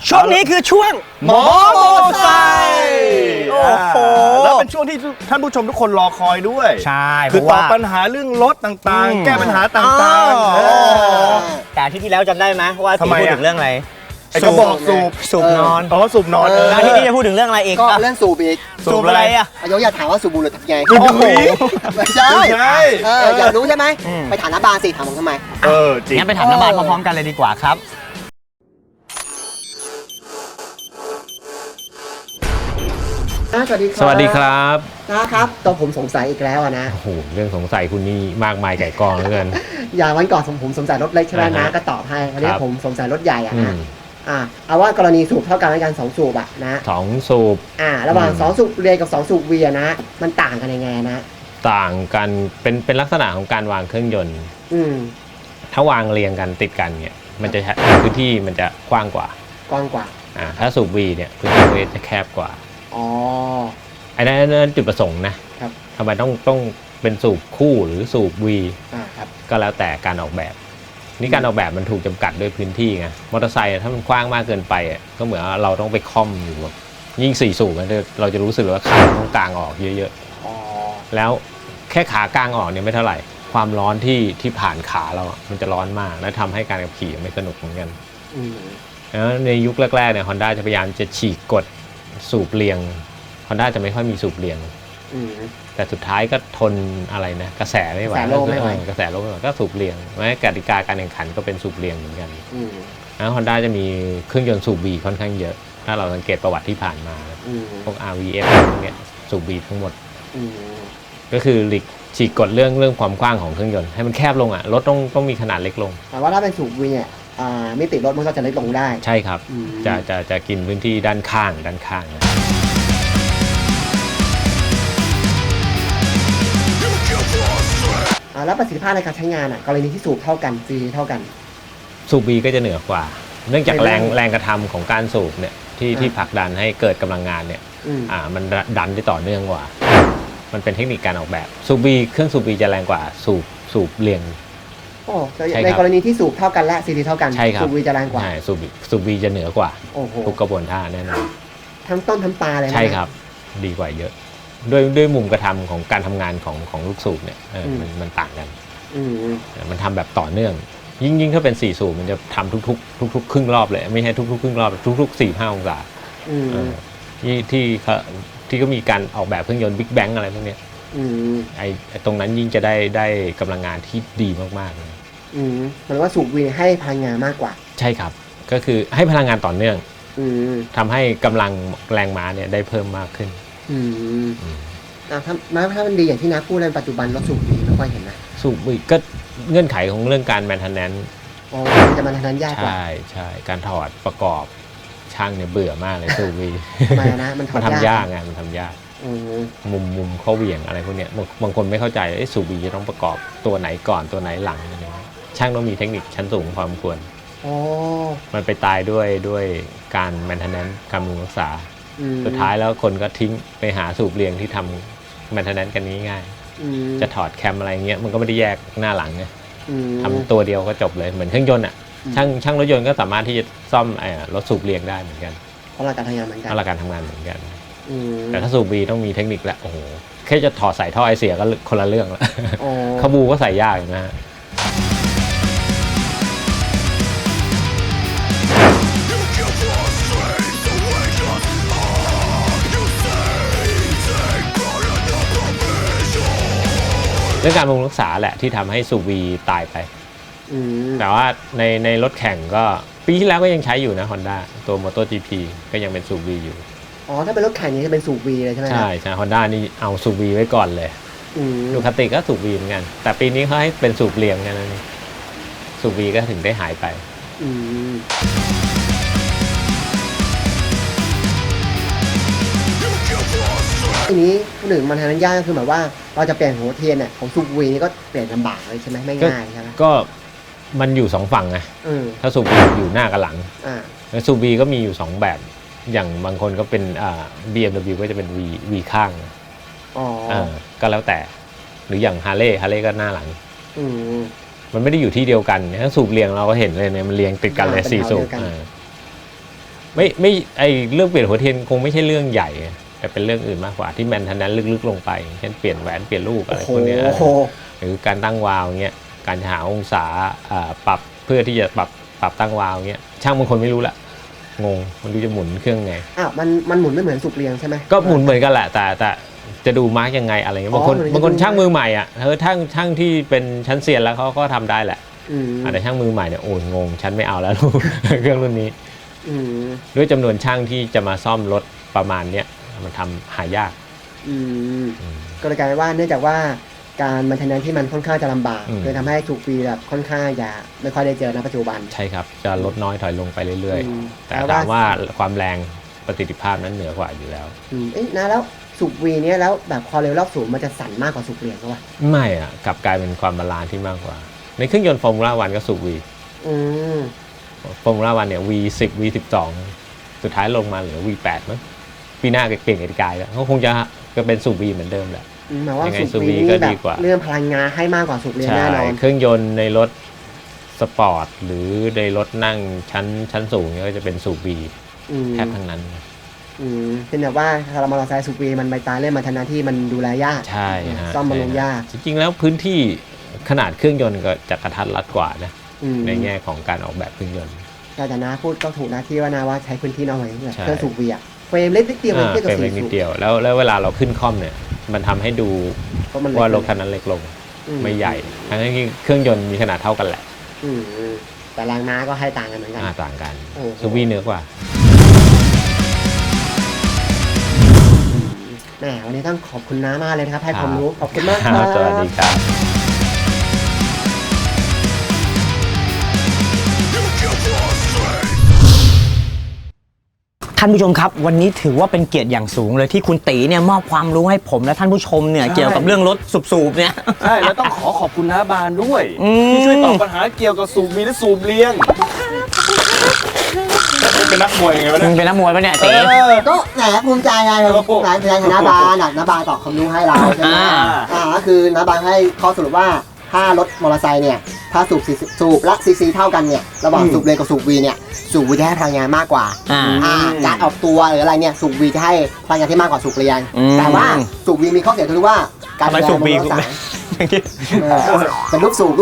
ช่วงนี้คือช่วงหมอโมไซค์โอ้โหแล้วเป็นช่วงที่ท่านผู้ชมทุกคนรอคอยด้วยใช่คือตอบปัญหาเรื่องรถต่างๆ แก้ปัญหาต่างๆแต่อาที่ที่แล้วจำได้ไหมว่าที่พูดถึงเรื่องอะไรไอ้กระบอกสูบนอนสูบนอนอาที่นี้จะพูดถึงเรื่องอะไรอีกก็เรื่องสูบอีกสูบอะไรอ่ะอยากถามว่าสูบบุหรี่ทำไงโอ้โหไม่ใช่อยากรู้ใช่ไหมไปถามน้าบานสิถามผมทำไมจริงงั้นไปถามน้าบานพร้อมๆกันเลยดีกว่าครับสวัสดีครับสวัสดีครับนะครับตัวผมสงสัยอีกแล้วนะโอ้โหเรื่องสงสัยคุณนี่มากมายไก่กองเหลือเกินอย่างวันก่อนผมสงสัยรถเล็กใช่ไหมนะก็ตอบให้วันนี้ผมสงสัยรถใหญ่นะเอาว่ากรณีสูบเท่ากันในการ2สูบอะนะ 2สูบระหว่าง2สูบเรียกับ2สูบเวียนะมันต่างกันยังไงนะต่างกันเป็นลักษณะของการวางเครื่องยนต์ถ้าวางเรียงกันติดกันเนี่ยมันจะพื้นที่มันจะกว้างกว่าถ้าสูบ V เนี่ยพื้นที่มันจะแคบกว่าอันนั้นจุดประสงค์นะครับทำไมต้องเป็นสูบคู่หรือสูบ V ก็แล้วแต่การออกแบบนี่การออกแบบมันถูกจำกัดด้วยพื้นที่ไงมอเตอร์ไซค์ถ้ามันกว้างมากเกินไปก็เหมือนเราต้องไปค่อมอยู่แบบยิ่ง4สูบเราจะรู้สึกว่าขาต้องกางออกเยอะๆแล้วแค่ขากางออกเนี่ยไม่เท่าไหร่ความร้อนที่ผ่านขาเรามันจะร้อนมากและทำให้การขับขี่ไม่สนุกเหมือนกันแล้วในยุคแรกๆเนี่ย Honda จะพยายามจะฉีกกฎสูบเรียง Honda จะไม่ค่อยมีสูบเรียงแต่สุดท้ายก็ทนอะไรนะกระแสไม่ไหวกระแสโลกไม่ไหวก็สูบเรียงแม้กติกาการแข่งขันก็เป็นสูบเรียงเหมือนกันแล้วHondaจะมีเครื่องยนต์สูบ B ค่อนข้างเยอะถ้าเราสังเกตประวัติที่ผ่านมาพวก RVF พวกเนี้ยสูบ B ทั้งหมดก็คือหลีกฉีกกฎเรื่องความกว้างของเครื่องยนต์ให้มันแคบลงรถต้องมีขนาดเล็กลงแต่ว่าถ้าเป็นสูบ V เนี่ยมิติรถมันก็จะเล็กลงได้ใช่ครับจะกินพื้นที่ด้านข้างแล้วประสิทธิภาพในการใช้งานกรณีที่สูบเท่ากันฟรีเท่ากันสูบ B ก็จะเหนือกว่าเนื่องจากแรงกระทำของการสูบเนี่ยที่ผลักดันให้เกิดกำลังงานเนี่ยมันดันได้ต่อเนื่องกว่ามันเป็นเทคนิคการออกแบบสูบ B เครื่องสูบ B จะแรงกว่าสูบเรียงในกรณีที่สูบเท่ากันและซีดีเท่ากันสูบ V จะแรงกว่าสูบ B จะเหนือกว่าทุกกระบวนท่าแน่นอนทั้งต้นทั้งปลายเลยใช่ครับดีกว่าเยอะด้วยมุมกระทำของการทำงานของลูกสูบเนี่ยมันต่างกันมันทำแบบต่อเนื่องยิ่งถ้าเป็น4สูบมันจะทำทุกครึ่งรอบเลยไม่ใช่ทุกครึ่งรอบทุก 4-5 องศาที่ก็มีการออกแบบเครื่องยนต์บิ๊กแบงอะไรพวกนี้ไอ้ตรงนั้นยิ่งจะได้กำลังงานที่ดีมากๆเลยหมายว่าสูบ V ให้พลังงานมากกว่าใช่ครับก็คือให้พลังงานต่อเนื่องทำให้กำลังแรงม้าเนี่ยได้เพิ่มมากขึ้นถ้ามันดีอย่างที่น้าพูดในปัจจุบันรถสูบ V ไม่ค่อยเห็นนะสูบ V ก็เงื่อนไขของเรื่องการแมนเทนแนนซ์จะแมนเทนแนนซ์ยากกว่าใช่การถอดประกอบช่างเนี่ยเบื่อมากเลยสูบ V ทำไมนะมันทำยากไงมันทำยากมุมข้อเหวี่ยงอะไรพวกเนี้ยบางคนไม่เข้าใจสูบ V จะต้องประกอบตัวไหนก่อนตัวไหนหลังอะไรช่างต้องมีเทคนิคชั้นสูงพอสมควรมันไปตายด้วยการแมนเทนแนนซ์การบำรุงรักษาสุดท้ายแล้วคนก็ทิ้งไปหาสูบเรียงที่ทำแมนเทนแนนซ์กันง่ายๆจะถอดแคมอะไรเงี้ยมันก็ไม่ได้แยกหน้าหลังไงทำตัวเดียวก็จบเลยเหมือนเครื่องยนต์ช่างรถยนต์ก็สามารถที่จะซ่อมรถสูบเรียงได้เหมือนกันเพราะหลักการทำงานเหมือนกันแต่ถ้าสูบ B ต้องมีเทคนิคแล้วโอ้โหแค่จะถอดสายท่อไอเสียก็คนละเรื่องแล้วขบูก็ใส่ยากนะฮะเรื่องการบำรุงรักษาแหละที่ทำให้สูบ V ตายไปแต่ว่าในรถแข่งก็ปีที่แล้วก็ยังใช้อยู่นะ Honda ตัว MotoGP ก็ยังเป็นสูบ V อยู่ถ้าเป็นรถแข่งนี้จะเป็นสูบ V เลยใช่ไหมใช่ Honda นี่เอาสูบ V ไว้ก่อนเลยดูคาติก็สูบ V เหมือนกันแต่ปีนี้เขาให้เป็นสูบเรียงกันนะนี่สูบ V ก็ถึงได้หายไปทีนี้หนึ่งมันทำนั้นยากก็คือแบบว่าเราจะเปลี่ยนหัวเทียนของสูบ V นี่ก็เปลี่ยนลำบากเลยใช่ไหมไม่ง่ายใช่ไหมก็มันอยู่2ฝั่งไงถ้าสูบ V อยู่หน้ากับหลังแล้วสูบ V ก็มีอยู่2แบบอย่างบางคนก็เป็นBMW ก็จะเป็น V ข้างก็แล้วแต่หรืออย่างฮาร์เลย์ก็หน้าหลังมันไม่ได้อยู่ที่เดียวกันถ้าสูบเรียงเราก็เห็นเลยเนี่ยมันเรียงติดกันเลย4สูบไม่ไอเรื่องเปลี่ยนหัวเทียนคงไม่ใช่เรื่องใหญ่แต่เป็นเรื่องอื่นมากกว่าที่แมนเทนแนนซ์ลึกๆลงไปเช่นเปลี่ยนแหวนเปลี่ยนลูกอะไรพวกเนี้ยโอ้โหหรือการตั้งวาล์วเงี้ยการหาองศาปรับเพื่อที่จะปรับตั้งวาล์วเงี้ยช่างบางคนไม่รู้ละงงมันดูจะหมุนเครื่องไงอ้าวมันหมุนไม่เหมือนสูบเรียงใช่ไหมก็หมุนเหมือนกันแหละแต่จะดูมาร์กยังไงอะไรเงี้ยบางคนเหมือนจะบางคนดูช่างมือใหม่อ่ะช่างที่เป็นชั้นเซียนแล้วเขาก็ทำได้แหละ แต่ช่างมือใหม่เนี่ยโอ้ยงงฉันไม่เอาแล้ว เครื่องรุ่นนี้ด้วยจำนวนช่างที่จะมาซ่อมรถประมาณเนี้ยมันทำหายากก็เลยกลายเป็นว่าเนื่องจากว่าการมันเทนแนนที่มันค่อนข้างจะลำบากอืมเลยทำให้สูบฟรีแบบค่อนข้างจะไม่ค่อยได้เจอในปัจจุบันใช่ครับจะลดน้อยถอยลงไปเรื่อยอืมๆ แต่ถามว่าความแรงประสิทธิภาพนั้นเหนือกว่าอยู่แล้วเอ๊ะนะแล้วสูบวีเนี้ยแล้วแบบความเร็วรอบสูงมันจะสั่นมากกว่าสูบเรียงก็วะไม่อ่ะกลับกลายเป็นความบาลานซ์ที่มากกว่า ในเครื่องยนต์ฟอร์มูล่าวันก็สูบ V อืมฟอร์มูล่าวันเนี่ย V10 V12 สุดท้ายลงมาเหลือ V8 มั้งปีหน้าเปลี่ยนกติกาแล้วเขาคงจะเป็นสูบ V เหมือนเดิมแหละหมายว่ายังไงสูบวีสูบ V ก็นี่แบดีบกว่าเรื่องพลังงานให้มากกว่าสูบเรียงใช่แน่นอนเครื่องยนต์ในรถสปอร์ตหรือในรถนั่งชั้นสูงเนี่ยก็จะเป็นสูบ V แทบทั้งนั้นเป็นแบบว่าถ้าเรามอเตอร์ไซค์สูบวีมันไปตายเรื่องมันทนที่มันดูแลยากใช่ฮะซ่อมบำรุงยากจริงๆแล้วพื้นที่ขนาดเครื่องยนต์ก็จะกระทัดรัดกว่านะ ในแง่ของการออกแบบเครื่องยนต์แต่นะพูดก็ถูกนะที่ว่านาว่าใช้พื้นที่น้อยแบบใช่เครื่องสูบวีอะเฟรมเล็กนิดเดียวเองเทียบกับเป็นสี่เล็กนิสูดบเดียวแล้วเวลาเราขึ้นคล่อมเนี่ยมันทำให้ดูเพราะมันเล็กว่ารถคันนั้นเล็กลงไม่ใหญ่ทั้งที่เครื่องยนต์มีขนาดเท่ากันแหละแต่แรงม้าก็ให้ต่างกันเหมือนกันต่างกันโอ้โหซูวีเหนือกว่าแหมวันนี้ต้องขอบคุณน้ามากเลยนะครับให้ความรู้ขอบคุณมากครับสวัสดีครับท่านผู้ชมครับวันนี้ถือว่าเป็นเกียรติอย่างสูงเลยที่คุณตีเนี่ยมอบความรู้ให้ผมและท่านผู้ชมเนี่ยเกี่ยวกับเรื่องรถสูบๆเนี่ยใช่แล้วต้องขอบคุณน้าบานด้วยอืมที่ช่วยตอบปัญหาเกี่ยวกับสูบวีและสูบเลี้ยงเป็นนักมวยไงวะมึเนี่ยงเป็นนักมวยปะเนี่ยตีก็แหมภูมิใจไงนายเป็นน้าบานน้าบานตอบความรู้ให้เราใช่ไหมก็คือน้าบานให้ข้อสรุปว่าถ้ารถมอเตอร์ไซค์เนี่ยถ้าสูบและซีซีเท่ากันเนี่ยระหว่างสูบเรียงกับสูบวีเนี่ยสูบวีจะให้พลังงานมากกว่าการออกตัวหรืออะไรเนี่ยสูบวีจะให้พลังงานที่มากกว่าสูบเรียงแต่ว่าสูบวีมีข้อเสียคือว่าการทำไมสูบบีกูเป็นลูกสูบ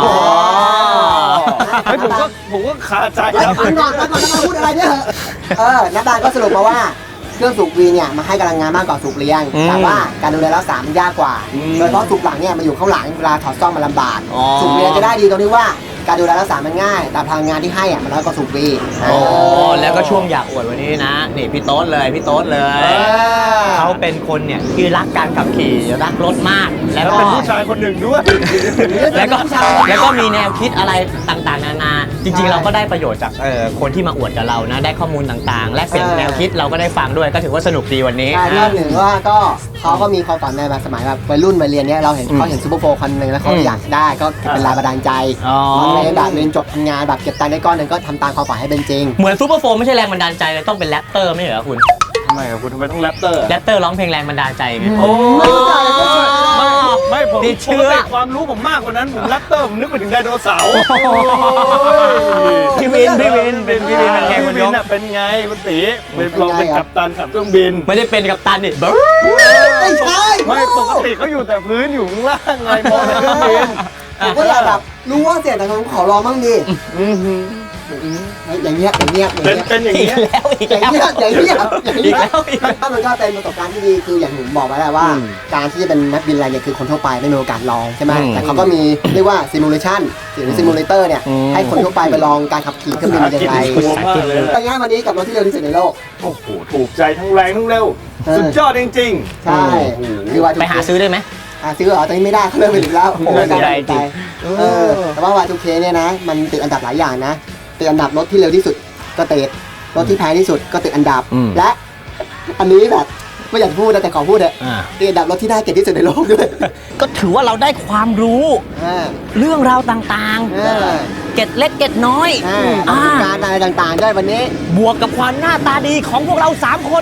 เฮ้ยผมก็คาใจฟังก่อนพูดอะไรเนี่ยน้าบานก็สรุปมาว่าเครื่องสูบวีเนี่ยมาให้กำลังงานมากกว่าสูบเรียงแต่ว่าการดูแลรักษามันยากกว่าโดยเฉพาะสูบหลังเนี่ยมาอยู่ข้างหลังเวลาถอดซ่อมมันลำบากสูบเรียงจะได้ดีตรงที่ว่าการดูแลรักษามันง่ายแต่พลังงานที่ให้มันน้อยกว่าสูบวีโอ้แล้วก็ช่วงอยากอวดวันนี้นะนี่พี่โต๊ดเลยเขาเป็นคนเนี่ยที่รักการขับขี่รักรถมากแล้วแล้วก็เป็นผู้ชายคนหนึ่งด้วยแล้วก็มีแนวคิดอะไรต่างๆนานาจริงๆเราก็ได้ประโยชน์จากคนที่มาอวดกับเรานะได้ข้อมูลต่างๆ และเปลี่ยนแนวคิดเราก็ได้ฟังด้วยก็ถือว่าสนุกดีวันนี้ใช่รอบหนึ่งว่าก็เขาก็มีความฝันในแบบสมัยแบบวัยรุ่นวัยเรียนเนี้ยเราเห็นเขาเห็นซูเปอร์โฟร์คันหนึ่งแล้วเขาอยากได้ก็เป็นแรงบันดาลใจเรียนแบบเรียนจบทำงานแบบเก็บตังค์ได้ก้อนหนึ่งก็ทำตามความฝันให้เป็นจริงเหมือนซูเปอร์โฟร์ไม่ใช่แรงบันดาลใจเลยต้องเป็นแรปเตอร์ไม่ใช่เหรอคุณทำไมครับคุณทำไมต้องแรปเตอร์แรปเตอร์ร้องเพลงแรงบันดาลใจไงโอ้ไม่ผมติดเชื้อได้ความรู้ผมมากกว่านั้นผมแรปเตอร์ผมนึกไปถึงไดโนเสาร์พี่วินเป็นไงคุณยกเป็นไงคุณตีเราเป็นกัปตันขับเครื่องบินไม่ได้เป็นกัปตันนี่ไม่ใช่ไม่ปกติเขาอยู่แต่พื้นอยู่ข้างล่างไงมองแต่เครื่องบินผมก็อยากแบบรู้ว่าเสียงแต่ผมขอร้องบ้างดิอย่างเงี้ยเป็นอย่างอีกเงี้ยแล้วอีกอย่างแล้วเงี้ยอีกแล้วถ้ามันก็เป็นประสบการณ์ที่ดีคืออย่างผมบอกไว้แล้วว่า การที่จะเป็นนักบินอะไรเนี่ยคือคนทั่วไปไม่มีโอกาสลองใช่ไหมแต่เขาก็มีเรียกว่าซิมูเลชันหรือซิมูเลเตอร์เนี่ยให้คนทั่วไปไปลองการขับขี่เครื่องบินเป็นยังไงกลัวมากเลยแต่ง่ายวันนี้กับรถที่เร็วที่สุดในโลกโอ้โหถูกใจทั้งแรงทั้งเร็วสุดยอดจริงๆใช่คือว่าไปหาซื้อได้ไหมซื้อเหรอตอนนี้ไม่ได้เขาเลิกไปแล้วไม่ได้จริงแต่ว่า Y2K เนี่ยนะมันติดอันดับหลายอย่างนะติดอันดับรถที่เร็วที่สุดก็ติดรถที่แพงที่สุดก็ติดอันดับและอันนี้แบบไม่อยากพูดแต่ขอพูดเลยติดอันดับรถที่ได้เกียรติที่สุดในโลกด้วยก็ถือว่าเราได้ความรู้เรื่องราวต่างๆเก็ดเล็กเก็ดน้อยประสบการณ์อะไรต่างๆด้วยวันนี้บวกกับความหน้าตาดีของพวกเรา 3 คน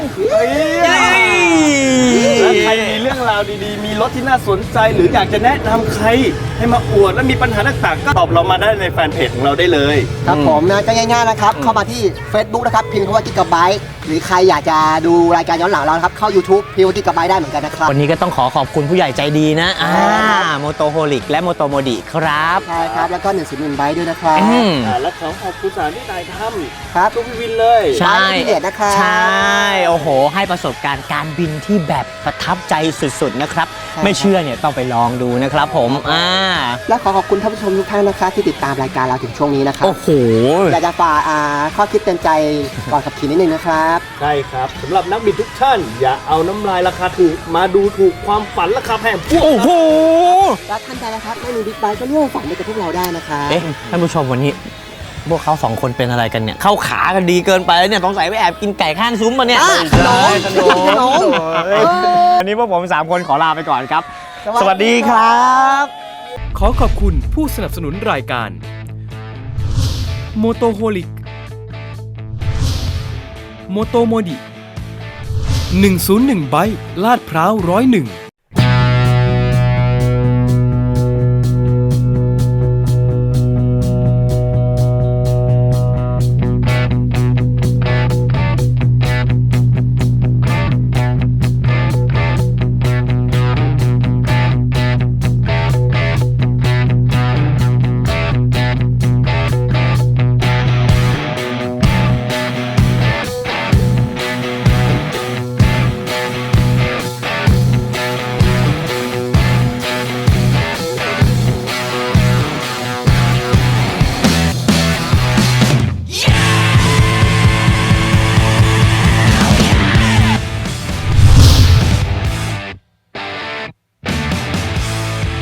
แล้วใครมีเรื่องราวดีๆ มีรถที่น่าสนใจหรืออยากจะแนะนำใครให้มาอวดและมีปัญหาต่างๆก็ตอบเรามาได้ในแฟนเพจของเราได้เลยครับผมนะก็ง่ายๆนะครับเข้ามาที่ Facebook นะครับพิมพ์คำว่ากิกะไบต์หรือใครอยากจะดูรายการย้อนหลังเรานะครับเข้า YouTube พิมพ์ว่ากิกะไบต์ได้เหมือนกันนะครับวันนี้ก็ต้องขอบคุณผู้ใหญ่ใจดีนะโมโตโฮลิกและโมโตโมดิครับใช่ครับแล้วก็101ไบต์ด้วยนะครับและขอขอบคุณสถานที่ถ่ายทครับำทุกพี่วินเลยใช่พี่เดชนะครับใช่ โอ้โห ให้ประสบการณ์การบินที่แบบประทับใจสุดๆนะครับ ไม่เชื่อเนี่ยต้องไปลองดูนะครับผมและขอบคุณท่านผู้ชมทุกท่านนะครับที่ติดตามรายการเราถึงช่วงนี้นะครับโอ้โหอยากจะฝากข้อคิดเตือนใจก่อนขับขี่นิดนึงนะครับใช่ครับสำหรับนักบินทุกท่าน อย่าเอาน้ำลายราคาถูกมาดูถูกความฝันราคาแพงพวกโอ้โหและท่านใดนะครับไม่มีบิ๊กไบค์ก็ร่วมฝันไปกับพวกเราได้นะครับเอ๊ะท่านผู้ชมวันนี้ พวกเขา2 คนเป็นอะไรกันเนี่ย เข้าขากันดีเกินไปแล้วเนี่ยต้องใส่ไปแอบกินไก่ข้างซุ้มมาเนี่ยขนมวันนี้พวกผม 3 คนขอลาไปก่อนครับ สวัสดีครับขอขอบคุณผู้สนับสนุนรายการ Motoholic Motomodi 101 ไบค์ลาดพร้าว101